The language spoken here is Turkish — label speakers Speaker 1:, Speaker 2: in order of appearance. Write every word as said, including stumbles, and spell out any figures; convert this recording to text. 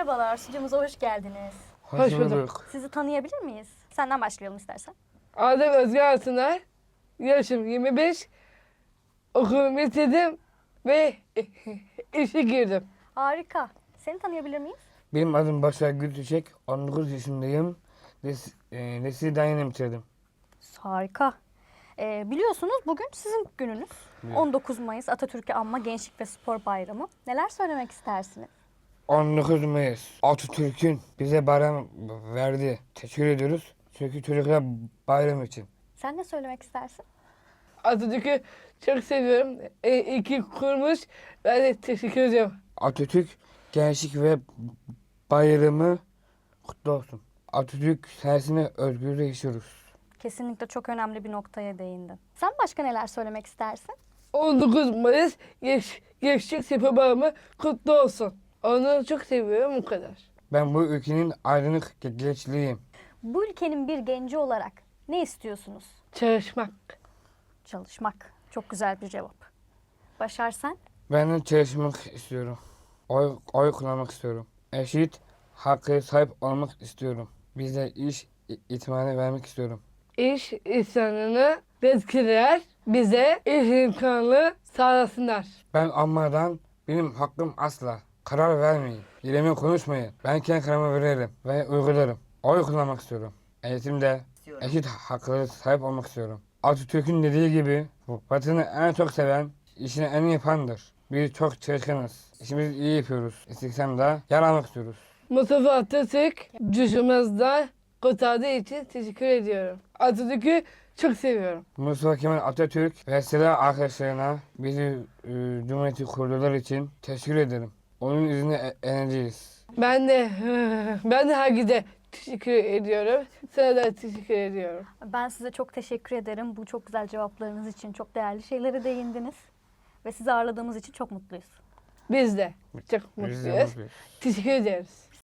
Speaker 1: Merhabalar, stüdyomuza hoş geldiniz.
Speaker 2: Hoş bulduk.
Speaker 1: Sizi tanıyabilir miyiz? Senden başlayalım istersen.
Speaker 2: Adım Özge Altıner. Yaşım yirmi beş. Okulumu bitirdim ve işe girdim.
Speaker 1: Harika. Seni tanıyabilir miyiz?
Speaker 3: Benim adım Başar Gültüçek. on dokuz yaşındayım. Lis e, Liseyi yeni bitirdim.
Speaker 1: Harika. Ee, biliyorsunuz bugün sizin gününüz.
Speaker 3: Evet.
Speaker 1: on dokuz Mayıs Atatürk'ü Anma Gençlik ve Spor Bayramı. Neler söylemek istersiniz?
Speaker 3: on dokuz Mayıs Atatürk'ün bize bayram verdi. Teşekkür ediyoruz. Çünkü çocuklar bayram için.
Speaker 1: Sen ne söylemek istersin?
Speaker 2: Atatürk'ü çok seviyorum. E, iki kurmuş. Ben de teşekkür ediyorum.
Speaker 3: Atatürk Gençlik ve Bayramı kutlu olsun. Atatürk sayesinde özgürlüğe yaşıyoruz.
Speaker 1: Kesinlikle çok önemli bir noktaya değindin. Sen başka neler söylemek istersin?
Speaker 2: on dokuz Mayıs Geç, Gençlik Spor Bayramı kutlu olsun. Onu çok seviyorum, bu kadar.
Speaker 3: Ben bu ülkenin aydınlık gençliğiyim.
Speaker 1: Bu ülkenin bir genci olarak ne istiyorsunuz?
Speaker 2: Çalışmak.
Speaker 1: Çalışmak. Çok güzel bir cevap. Başar sen?
Speaker 3: Ben de çalışmak istiyorum. Oy, oy kullanmak istiyorum. Eşit hakkı sahip olmak istiyorum. Bize iş i- itibarı vermek istiyorum.
Speaker 2: İş insanını yetkililer bize iş imkanı sağlasınlar.
Speaker 3: Ben almadan benim hakkım asla. Karar vermeyin. Yerime konuşmayın. Ben kendi kararımı veririm ve uygularım. Oy kullanmak istiyorum. Eğitimde eşit haklara sahip olmak istiyorum. Atatürk'ün dediği gibi vatanı en çok seven, işini en iyi yapandır. Biz çok çalışkanız. İşimizi iyi yapıyoruz. İstiksem de yer almak istiyoruz.
Speaker 2: Mustafa Atatürk düşümüzden kurtardığı için teşekkür ediyorum. Atatürk'ü çok seviyorum.
Speaker 3: Mustafa Kemal Atatürk ve silah arkadaşlarına bizi e, Cumhuriyeti kurdular için teşekkür ederim. Onun izniyle e- eğleneceğiz.
Speaker 2: Ben de ben de herkese teşekkür ediyorum. Sana da teşekkür ediyorum.
Speaker 1: Ben size çok teşekkür ederim. Bu çok güzel cevaplarınız için çok değerli şeylere değindiniz. Ve sizi ağırladığımız için çok mutluyuz.
Speaker 2: Biz de çok
Speaker 3: Biz de
Speaker 2: mutluyuz.
Speaker 3: mutluyuz.
Speaker 2: Teşekkür ederiz.